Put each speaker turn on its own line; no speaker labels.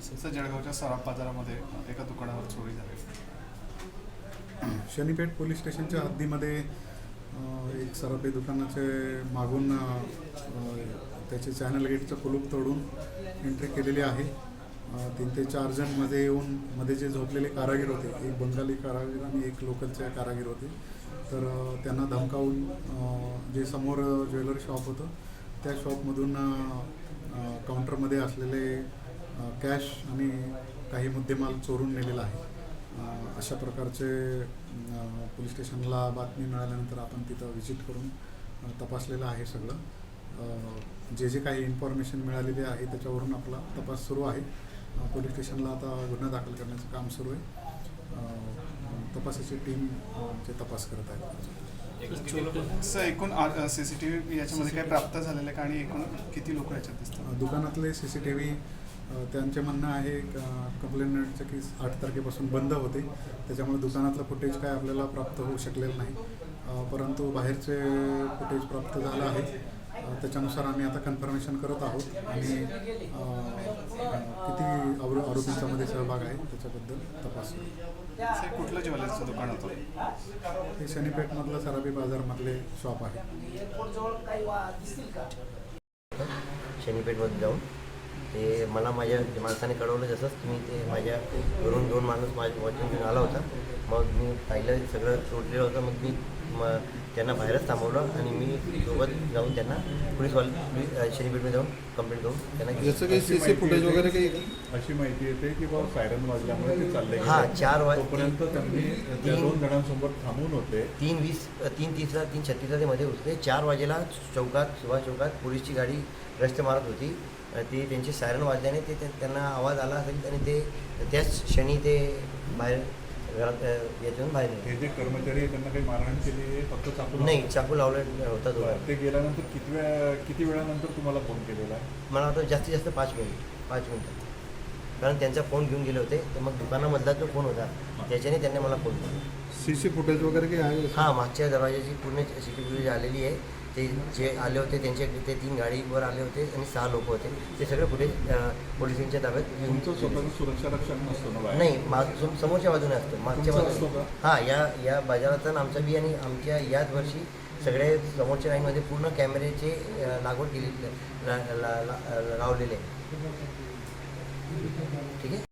तसं जळगावच्या सराफ बाजारामध्ये एका दुकानावर चोरी झाली.
शनीपेठ पोलीस स्टेशनच्या हद्दीमध्ये एक सराफी दुकानाचे मागून त्याचे चॅनल गेटचं कुलूप तोडून एंट्री केलेली आहे. 3 ते 4 जण मध्ये येऊन मध्ये जे झोपलेले कारागीर होते, एक बंगाली कारागीर आणि एक लोकलचे कारागीर होते, तर त्यांना धमकावून जे समोर ज्वेलरी शॉप होतं त्या शॉपमधून काउंटरमध्ये असलेले कॅश आणि काही मुद्देमाल चोरून नेलेला आहे. अशा प्रकारचे पोलीस स्टेशनला बातमी मिळाल्यानंतर आपण तिथं व्हिजिट करून तपासलेलं आहे. सगळं जे काही इन्फॉर्मेशन मिळालेली आहे त्याच्यावरून आपला तपास सुरू आहे. पोलीस स्टेशनला आता गुन्हा दाखल करण्याचं काम सुरू आहे. तपासाची टीम जे तपास करत आहे.
एकूण CCTV याच्यामध्ये काय प्राप्त झालेलं आहे का आणि एकूण किती लोक याच्यात दिसतात?
दुकानातले CCTV त्यांचे म्हणणं आहे कंप्लेंटचं की 8 तारखेपासून बंद होते, त्याच्यामुळे दुकानातलं फुटेज काय आपल्याला प्राप्त होऊ शकलेलं नाही. परंतु बाहेरचे फुटेज प्राप्त झालं आहे. त्याच्यानुसार आम्ही आता कन्फर्मेशन करत आहोत आणि किती आरोपींच्यामध्ये सहभाग आहे त्याच्याबद्दल तपास.
कुठलं ज्वेलरीचं दुकान होतं?
हे शनीपेठमधलं सराफी बाजारमधले शॉप आहे.
शनीपेठमध्ये जाऊन ते मला माझ्या माणसाने कळवलं, जसंच मी ते माझ्या घरून 2 माणूस माझ्या वॉचिंग घेऊन आला होता. मग मी पाहिलं सगळं तोडलेलं होतं. मग मी त्यांना बाहेरच थांबवलं आणि मी सोबत जाऊन त्यांना पोलीसवाले शनीपेठमध्ये जाऊन कंप्लेंट करून त्यांना
याचं काही CC फुटेज वगैरे काही अशी माहिती येते की बाबा सायरन वाजल्यामुळे ते चालले.
हां, 4
तोपर्यंत त्यांनी त्या 2 जणांसोबत थांबून होते.
3:30ला 3:36ला ते मध्ये होते. 4 वाजेला सुभाष चौकात पोलीसची गाडी रस्ते मारत होती. ते त्यांचे सायरन वाजल्याने त्यांना आवाज आला असेल आणि ते त्याच क्षणी ते बाहेर घरात याच्यातून बाहेर निघाले.
हे जे कर्मचारी आहे त्यांना काही मारहाण केली? फक्त चाकू?
नाही, चाकू लावला होता तो.
ते गेल्यानंतर किती वेळानंतर तुम्हाला फोन केलेला आहे?
मला वाटतं जास्तीत जास्त 5 मिनिटं, कारण त्यांचा फोन घेऊन गेले होते. तर मग दुकानामधला जो फोन होता त्याच्याने त्यांनी मला फोन केला.
CC फुटेज वगैरे काही आहे?
हां, मागच्या दरवाजाची पूर्ण CCTV आलेली आहे. ते जे आले होते त्यांचे ते 3 गाडीवर आले होते आणि 6 लोक होते. ते सगळे फुटेज पोलिसांच्या ताब्यात.
तुमचं स्वतःचं सुरक्षा रक्षण नसतं ना?
नाही, समोरच्या बाजूने असतं, मागच्या बाजूने. हां, या बाजारात आमचा बी आणि आमच्या याच वर्षी सगळे समोरच्या लाईनमध्ये पूर्ण कॅमेऱ्याचे लागवड केली लावलेले आहे. ठीक आहे.